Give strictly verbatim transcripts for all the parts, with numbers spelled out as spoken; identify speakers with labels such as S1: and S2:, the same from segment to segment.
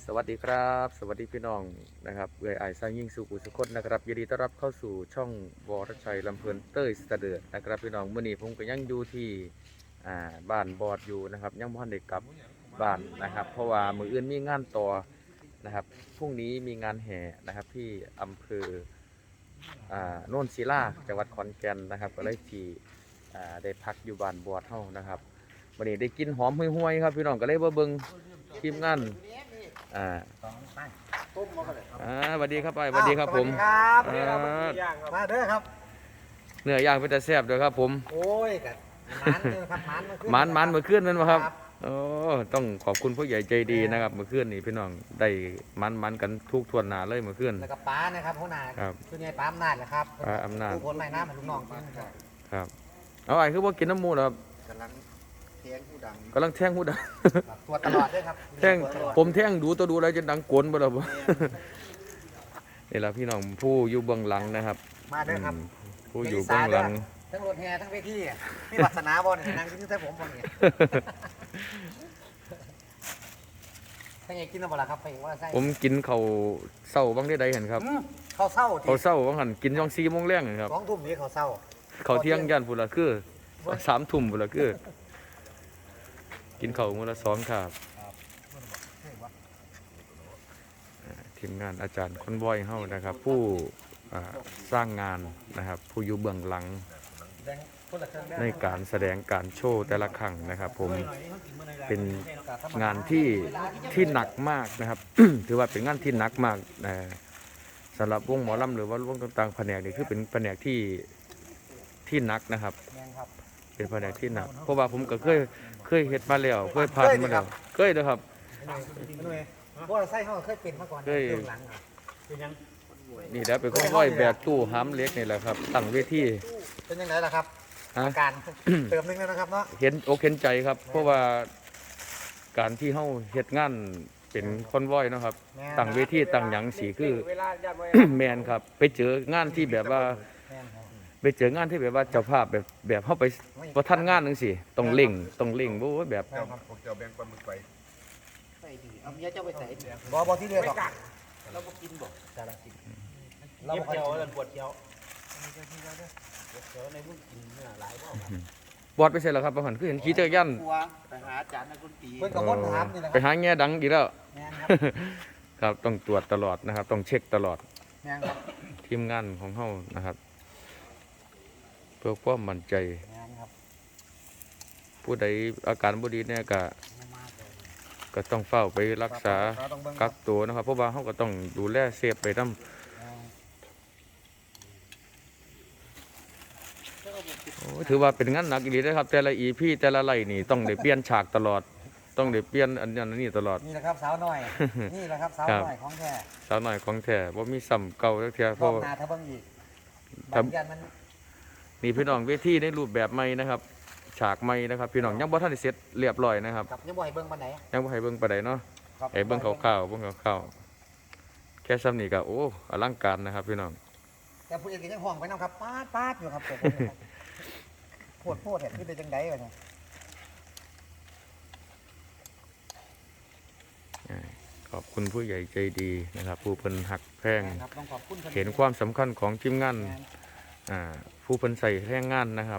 S1: สวัสดีครับสวัสดีพี่น้องนะครับเอื้อยอ้ายสร้างยิ่งสุขุสุขนนะครับยินดีต้อนรับเข้าสู่ช่องวรชัยลำเพลินเต้ยสะเดือดนะครับพี่น้องเมื่อนี้ผมก็ยังอยู่ที่อ่าบ้านบอดอยู่นะครับยังบ่ทันได้กลับบ้านนะครับเพราะว่ามื้ออื่นมีงานต่อนะครับพรุ่งนี้มีงานแห่นะครับที่อำเภออ่าโน่นศิลาจังหวัดขอนแก่นนะครับก็เลยที่อ่าได้พักอยู่บ้านบอดเฮานะครับวันนี้ได้กินหอมห่วยๆครับพี่น้องก็เลยมาเบิ่งทีมงานอ่าอ่าสวัสดีครับไปสวัสดีครับผม
S2: ครับ
S1: อ่า
S2: มาเด้อครับ
S1: เนื้อย่างเป็นแต่แซ่บเด้อครับผม
S2: โอ้ยกันมันเด้อครับมันมาขึ้น
S1: หมันหมันเมื่อคืนนั่นมาครับโอ้ต้องขอบคุณผู้ใหญ่ใจดีนะครับเมื่อคืนนี่พี่น้องได้หมันหมันกันทุกทวนหนาเลยเมื่อคืน
S2: แล้วก็ป้านะครับหัวหน้า
S1: ครับ
S2: คือไงป้าอำนาจแหละครับ
S1: ป้าอำนาจ
S2: ผู้คนใหม่น้ำให้ลูกน้องกินครับ
S1: ครับเอาไอ้คือว่ากินน้ำมูกเหรอครับ
S2: กำลังเทียงผู้ดัง
S1: กำลังแท่งหูดัง
S2: ตัวตลอดด้วยครับ
S1: แท่ง
S2: ตัวตลอด
S1: ผมแท่งดูตัวดูอะไรจะดังกวนบ่ล่ะบ่ นี่ล่ะพี่น้องผู้อยู่เบื้องหลังนะครับ
S2: มาเด้อครับ
S1: อืมผู้อยู่เบื้องหลัง
S2: ทั้งรถแห่ทั้งเวทีอะมีวาสนาบ่เนี่ยนั่งกินที่ใส่ผมบ่เนี่ยถ้าไงกินแล้วบ่ล่ะครับไปว่าใส่
S1: ผมกินข้าวเช้าบ้างได้ใดเห็นครับ
S2: อืมข้าวเศร้า
S1: ข้าวเช้าบางหันกินช่องสี่โมงแรงเห็นครับ
S2: สองทุ่มนี้ข้าวเศร้า
S1: ข้าวเที่ยงยันพุ่นละคือสามทุ่มพุ่นละคือ กินข้าวมื้อละสองครับอ่าทีมงานอาจารย์คนบอยเฮานะครับ ผู้อ่าสร้างงานนะครับ ผู้อยู่เบื้องหลังในการแสดงการโชว์แต่ละครั้งนะครับ ผมเป็นงานที่ที่หนักมากนะครับ ถือว่าเป็นงานที่หนักมากนะสำหรับวงหมอลำหรือว่าวงต่างๆแผนกนี่คือเป็นแผนกที่ที่หนักนะครับ
S2: แม่นครับ
S1: เป็นแผนกที่หนักเพราะว่าผมก็เคยเคยเฮ็ดมาแล้วเคยผ่านมาแล้วเคยนะครับ
S2: หน่วยเพราะว่าไส้เขาเคยเป็นมาก่อน
S1: เคย
S2: เรื่องหลังอะเป็นยัง
S1: นี่แหล้วเป็นคนร้อยแบกตู้ห้ำเล็กนี่แหละครับตั้งเวที
S2: เป็นยังไงล่ะครับ
S1: ฮะ
S2: อาการ เติมนึงแล้วนะครับเนาะ
S1: เห็นอกเห็นใจครับ เพราะว่าการที่เฮาเฮ็ดงานเป็นคอนวอยเนาะครับตั้งเวทีตั้งหยังสีคือ แมนครับ ไปเจองานที่แบบว่า
S2: แม่นครับ
S1: ไปเจองานที่แบบว่าเจ้าภาพแบบแบบเฮาไปบ่ทันงานจังซี่ต้องเร่งต้องเร่งบ่ว่าแบบ
S2: แม่นครับ
S3: พวกเจ้าแบ่งปลาหมึกไป
S2: ใส่ดีเอาเมียเจ้าไปใส่บ่บ่ที่เดียวหรอกเราบ่กินบ่จะละกินเราบ่เจียวแล้วปวดเจียวเจียวในพุ่งกินเนื้อหลายบ่
S1: บอดไปใส่แล้วครับบ่หันคือเห็นขี่จักรยาน
S2: ไปหาอาจารย์นักดนตรีเพิ่นก็บ่ถามนี่แหละ
S1: ไปหาแง่ดังอีกแล้ว
S2: แม่นครับ
S1: ครับต้องตรวจตลอดนะครับ ต้องเช็คตลอด
S2: แม่นครับ
S1: ทีมงานของเฮานะครับ เพื่อความมั่นใจ
S2: แม่นครับ
S1: ผู้ใดอาการบ่ดีเนี่ยก็
S2: มากเลย
S1: ก็ต้องเฝ้าไปรักษา
S2: เราต้องเบิ่ง
S1: กักตัวนะครับ เพราะว่าเฮาก็ต้องดูแลเซฟไปนำถือว่าเป็นงานหนักอีหลีเด้อครับ แต่ละ อี พี แต่ละไล่นี่ต้องได้เปลี่ยนฉากตลอด ต้องได้เปลี่ยนอันนั้นอันนี้ตลอด
S2: นี่แหละครับสาวน้อยนี่แหละครับสาว
S1: ครับ
S2: น้อยของแท้
S1: สาวน้อยของแท้บ่มีซ้ำเก่าจักเทื่อเพ
S2: รอ
S1: ราะ
S2: บ
S1: ว่า
S2: หน้าถ้าเบิ่งอีก
S1: ครับ
S2: บางอย่างมัน
S1: นี่พี่น้องเวทีในรูปแบบใหม่นะครับ ฉากใหม่นะครับ พี่น้องยังบ่ทันได้เสร็จเรียบร้อยนะครับ
S2: กับยังบ่ให้เบิ่งปานใด
S1: ยังบ่ให้เบิ่งปานใดเนาะ
S2: ครับ
S1: ให้เบิ่งคร่าวๆเบิ่งคร่าวๆแค่ซ้ำนี้ก็โอ้อลังการนะครับพี่น้อง
S2: แต่ผู้เอกก็ยังห่วงไปนำครับปาดปาดอยู่ครับผมโพดโพดเห็นคือเป็นจังได๋วะเนี่ย
S1: ขอบคุณผู้ใหญ่ใจดีนะครับ ผู้เพิ่นหักแพง
S2: ครับต้องขอบคุณพิ่
S1: เห็นความสำคัญของทีมงาน
S2: แม่น
S1: อ่าผู้เพิ่นใส่แรงงานนะครับ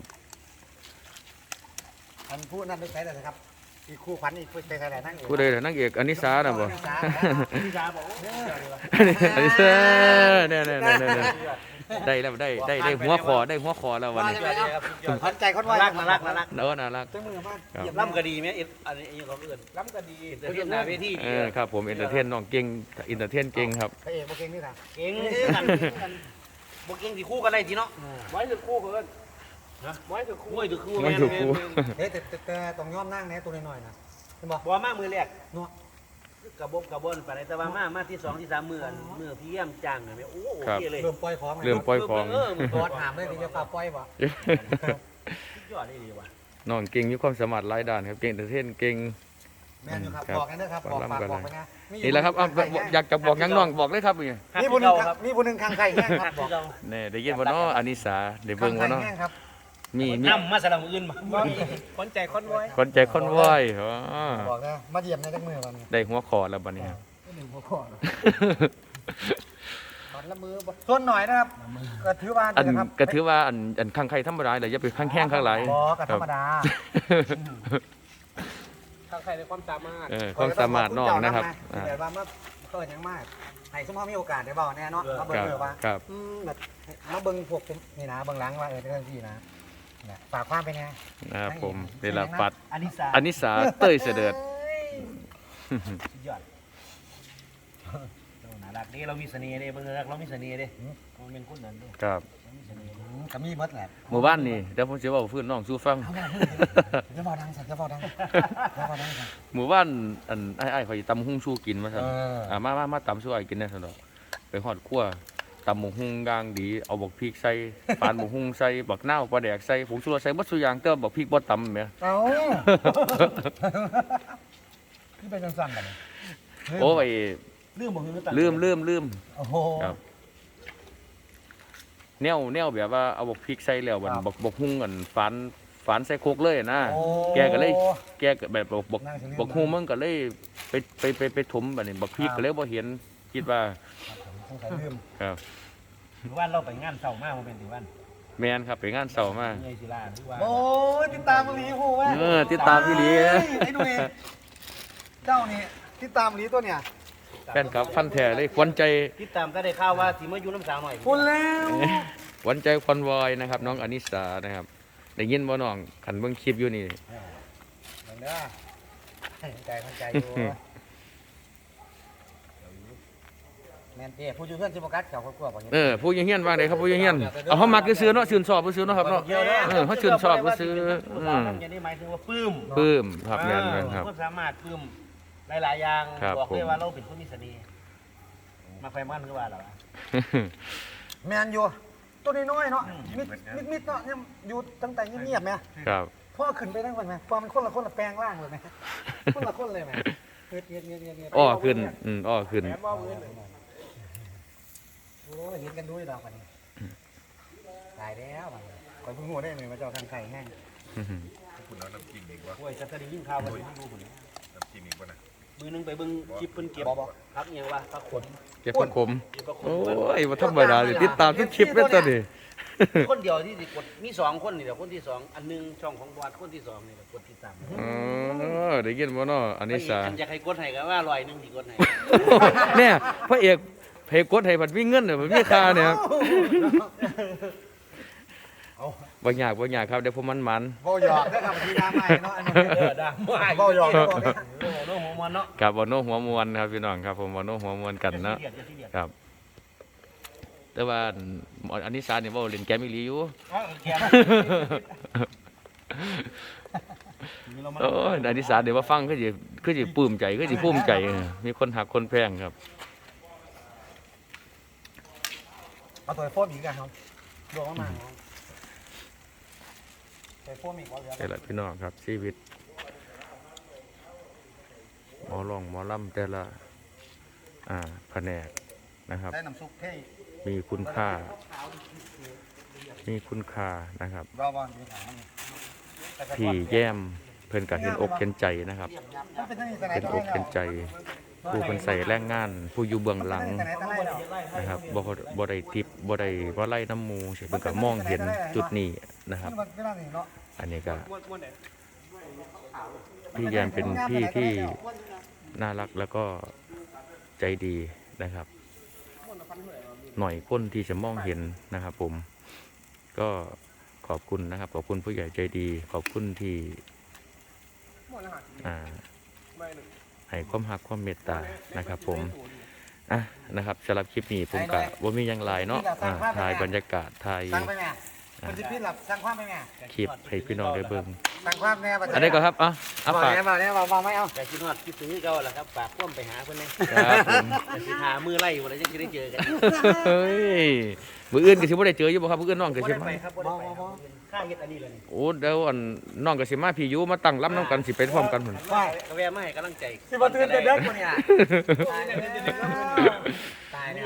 S2: อันผู้นั้นไม่ใช่เลยนะครับอีกคู่ขวัญอีกผู้ใช่อะไรนั่ง
S1: ผู้ใดล่ะนางเอกอนิสาน่ะบ่
S2: นิสานิสาบอกเออ
S1: อนิสาเนี่ยๆๆๆได้แล้วได้ได้ได้หัวคอได้หัวคอแล้ววันนี้
S2: ขวัญใจคนไว้
S4: รักน่ารักน่ารัก
S1: เนาะน่ารัก
S2: จังมือมาก
S1: ครับ
S2: เยี่ยม
S4: ล่ำก็ดีไหมเอ็ดอันนี้อันนี้เขาเอื่น
S2: ล้ำก็ดี
S4: เทียนหน้าเวที
S1: เอ
S4: ดี
S1: อครับผมเอนเตอร์เทนน้องเก่งเอนเตอร์เทนเก่งครับ
S2: พระเอกมาเก่งนี่ค่ะ
S4: เก่งกันกันบวกเก่งที่คู่กันได้ทีเนาะ
S3: ไว้ถึงคู่เพิ่นนะไว้ถึงคู่
S4: มวยถือคู่
S1: ไม่ถูกครู
S2: เฮ้ยแต่แต่แต่ต้องย้อมนั่งแน่ตัวน้อยๆนะเห็นบอก
S4: บัวมามือแรก
S2: เนาะ
S4: กระบบกระบนไปแต่ว่ามามาที่สองที่สามมืออันมือพี่เยี่ยมจังเลยโอ้โอเคเลย
S2: เริ่มปล่อยของ
S1: เริ่มปล่อยของ
S4: เออมือ
S2: ตอดหามเลยที่จะฝากปล่อยบ่
S4: สุดยอดเลยดีว่ะ
S1: น้องเก่งมีความสามารถหลายด้านครับเก่งเอนเตอร์เทนเก่ง
S2: แม่นอยู่ครับ
S1: ครับ
S2: บอกกันนะครับบอกฝากบอกไปนะ
S1: นี่แหละครับเอาอยากจะบอกหยังน้องบอกเลยครับนี่
S2: นี่ผู้หนึ่งครับนี่ผู้หนึ่งข้างใครแห้งครับบอก
S1: แน่ได้ยินบ่เนาะอานิสาได้เบิ่งบ่เนาะ
S2: แห้งครับ
S1: มีมี
S4: น้ำมาสลับอื่นมา
S3: คนใจคนไว้
S1: คนใจคนไหวอ๋อ
S2: บอกนะมาเยี่ยมในจังมือวันนี้
S1: ได้หัวคอแล้วบัดนี้ครับ
S2: มอยู่บ่พอตอนละมือบ่ส่วนหน่อยนะครับก็ถือว่า
S1: อัน
S2: นะครับ
S1: ก็ถือว่าอันอันข้างใครธรรมดาเลยอย่าไปข้างแข้งข้างไหล
S2: บ่ก็ธรรมดา
S3: ทางใครในความสามารถ
S1: เออความสามารถน้องนะครับ
S2: อ่าแต่ว่าเมื่อเกิดยังมากให้สมมติมีโอกาสได้เบาแน่เนาะมาเบิ่ง
S1: ครับ
S2: เออว่า
S1: ครับ
S2: อืมแบบมาเบิ่งพวกผมนี่นะเบิ่งหลังว่าเออเป็นเรื่องที่นะเนี่ยฝากความเป็นไง
S1: นะครับผมเวลาปัด
S4: อันนี้สา
S1: อันนิสาเต้ยเสด็จ
S4: สุดยอดเราน่ารักเด้เรามีเสน่ห์เด้เบิ่งเด้อเรามีเสน่ห์เด้มันเป็นคนนั้นเด้
S1: ครับ
S4: เรามีเสน่ห์
S2: อืมก็มีหมดแหละ
S1: หมู่บ้านนี่เดี๋ยวผมจะบอกฟื้นน้องสู้ฟัง
S2: เอามาจะเบาดังสัตว์จะเบาดังจะเบาดังสัตว์
S1: หมู่บ้านอันไอ้ไอ้ข่อยตำหุ้งชูกินมาสั่น
S2: เอออ่
S1: อ่ามามามาตำสู้ไอ้กินได้สั่นดอกไปหอดขั้วตำหมกหุ้งกลางดีเอาบักพริกใส่ปานหมกหุ้งใส่บักนาวปลาแดกใส่ผงชูรสใส่บัดสุอยางเติมบักพริกบ่ตำแหม
S2: เอาที่เป็นสั่นๆกัน
S1: โอ้ย
S4: ลืมบ่คือ
S1: ลืมลืมลืม
S2: โอ้โห
S1: ครับ แนวแนวแบบว่าเอาบักพริกใส่แล้วบัด
S2: ครับ
S1: บักบักหุ้งอันฝานฝานใส่โคกเลยนะ
S2: โอ้
S1: แกก็เลย แกก็แบบบักบัก
S2: นั่งสิลืม
S1: บักหุ้งมันก็เลยไปไปไปไปถมบัดนี้บักพริก
S2: ครับ
S1: ก็เลยบ่เห็นคิดว่า
S2: สงสัยลืม
S1: ครับ
S4: ถือว่าเราไปงานเศร้ามากมันเป็นถือว่า
S1: แม่นครับไปงานเสาร์มา
S4: เงยศิลาถือว่า
S2: โอ้ยติดตามมาหลีโหแม่
S1: เออติดตามพี่หลี
S2: เอ้ยไอ้หนุ่ยเจ้านี่ติดตามหลีตัวเนี่ย
S1: แฟนครับฟันแท้เลยขวัญใจ
S4: ติดตามก็ได้ข่าวว่าสิมาอยู่น้ำสาวหน่อย
S2: คุณแล้ว
S1: ขวัญใจควันวอยนะครับ น้องอนิสานะครับได้ยินบ่น้องขันเบิ่งคลิปอยู่นี่
S2: เหมือนเด้อใจมันใจอยู่แม่นเจ้ผู้อยู่เพื่อนสิบกัดเขาครอบครัวบ่เห็น
S1: เออผู้ยังเฮียนว่าไดครับผู้ยังเฮียนเอาเฮามักซื้อๆเนาะชื่นชอบซื้อๆเนาะครับเนาะ
S4: เยอะเลย
S1: เออเขาชื่นชอบซื้อๆ
S4: ผู้
S1: อื
S4: สาว
S1: ม
S4: นั่นจะได้หมายถึงว่าปลื้ม
S1: ปลื้มครับแม่นแม่นครับ
S4: คนสามารถปลื้มหลายๆอย่าง
S1: ครับ
S4: บอกเลย
S1: ผม
S4: ว่าเราเป็นคนมีเสน่ห์มาไฟมันคือว่าเหรอวะ
S2: แม่นอยู่ตัวน้อยๆเนาะมิดมิดมิดเนาะเนี่ยอยู่ตั้งแต่เงียบๆแม่
S1: ครับ
S2: พ่อขึ้นไปทั้งวันไหมพ่อมันคนละคนละแปลงร่างเลยไหมคนละคนเลยไหมเงียบเงียบเงียบเงียบเงียบ
S1: อ้อขึ้นอืมอ้อขึ้น
S3: แม่ว่าเงิน
S2: โอ้ยเห็นกันด้วยดอกวันนี้ตายแล้ววันนี้คอยเพิ่งหัวได้เลยมาเจ้าทางไข่แห้ง
S3: คุณเอาน้ำจิ้มอีกวะ
S4: โอ้ยจะได้ยินข่าวว่าไม่รู้คน
S3: น้ำจิ้มอีกวะนะ
S4: มือนึงไปเบิ่งคลิปเพิ่นเก็บพักอหย่างว่าพักขน
S1: เก็บผักขม
S4: เก็บพักขน
S1: โอ้ยบ่ธรรมดาเลยติดตามทุกคลิปเลยตัวนี้
S4: คนเดียวที่สิกดมีสองคนนี่แหละคนที่สองอันหนึงช่องของบอดคนที่สองนี่แหละกดติดตาม
S1: อ๋อได้ยินบ่เนาะอนิสา
S4: อันอยากให้กดให้ก็ว่าลอยหนึงสิกดให้
S1: เนี่ยพระเอกเพกดให้บัดมีเงินเนี่ยบัดมีค่าเนี่ยครับบ่ยากบ่ยากครับเดี๋ยวผมมันมัน
S2: เบาหยอกได้ครับทีน้ำใหม่เนาะอันนี้
S4: เออได้ไม่
S2: เบาหยอกเบาหยอกเนี่ย
S4: โอ้โหโน้หัวมันเนาะ
S1: กับบ่โนหัวมวนครับพี่น้องครับผมบ่โนหัวมวนกันเนาะ
S4: อย่าซีเรียสอย่าซีเรียส
S1: ครับ แต่ว่าอันนี้ซาเนี่ยเว้าเล่นแกมอีหลีอยู่
S4: เอาแกมมีเรามา
S1: โอ้ยอันนี้ซาเดี๋ยวว่าฟังคือสิคือสิปลื้มใจคือสิภูมิใจเออมีคนหักคนแพงครับ
S2: เอาตัวโฟมอีกกันครับดวงมากๆตัวโฟมอีกเขาเหลือ
S1: แต่ละพี่น้องครับชีวิตหมอร้องหมอลำแต่ละอ่าแผนกนะครับ
S2: ได้น้ำซุปเท่
S1: มีคุณค่า มีคุณค่านะครับ
S2: รอบอลมีถาม
S1: พี่แย้มเพิ่นก็เห็นอกเห็นใจนะครับ
S2: มันเป็นตั้งแต่ไหน
S1: เป็น
S2: แต่
S1: อก
S2: ไร
S1: เห็นใจ ผู้เพิ่นใส่แรงงาน ผู้อยู่เบื้องหลัง
S2: แต่ไหนแต่ไรแล้ว
S1: นะครับบ่บ่ได้ทิปบ่ได้ว่าไล่น้ำหมูเพิ่นก็มองเห็นจุดนี้นะครับ
S2: มันไม่น่าหนีเนาะ
S1: อันนี้ก็
S3: ม้วนม้วนไหน
S1: พี่แยมเป็นพี่ที่น่ารักแล้วก็ใจดีนะครับ หน่อยคนที่จะมองเห็นนะครับ ผม ก็ขอบคุณนะครับ ขอบคุณผู้ใหญ่ใจดี ขอบคุณที่
S3: ม้วนอาหาร
S1: อ่า
S3: ไม่หนึ่ง
S1: ให้ความรักความเมตตานะครับ ผมอ่ะนะครับสำหรับคลิปนี้ผมกะว่ามีหยังหลายเนาะอ่าถ่ายบรรยากาศถ่าย
S2: สั่งไปแม่คนที่พี่หลับสั่งความไปแม่
S1: คลิปให้พี่น้องได้เบิ่ง
S2: สั่งความแน่
S1: อันนี้ก็ครับอ่ะอ่ะ
S2: บอก
S1: ฝาก
S2: แน่บอกแน่บอกบอกไม่เอา
S4: แต่คิดฮอดคิดถึงเก่าแหละครับฝากพ่วมไปหาเพิ่นนะครับ
S1: ผม
S4: แต่สิหามือไล่บ่ได้จังสิได้เจอกัน
S1: เฮ้ยมื้ออื่นก็สิบ่ได้เจออยู่บ่ครับมื้ออื่นน้องก็
S4: บ่
S1: สิ
S4: ได้
S1: มา
S4: ไปครับบ่ได้ไปครับค่าเฮ็ดอันนี้เลยนี่
S1: โอ้เดี๋ยวอันน้องก็สิมาพี่อยู่มาตั้งลำนํกันสิไปพร้อมกันพุ่น
S2: ว่า
S4: ก็แวะมาให้กำลังใจ
S2: สิบัตื่นเด็กคนเนี่ยตายแล้วตายแล้ว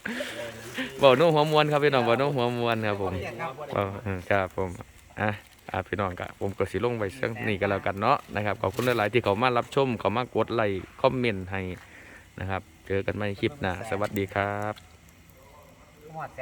S1: เว้าโน้หัวมวนครับพี่น้องเว้าโน้หัวมวนครับผมเว้าเออครับผมอ่ะอ่าพี่น้องก็ผมก็สิลงไว้เรื่องนี้กันแล้วกันเนาะนะครับขอบคุณหลายๆที่เขามารับชมเขามากดไลค์คอมเมนต์ให้นะครับเจอกันใหม่คลิปหน้าสวัสดีครับ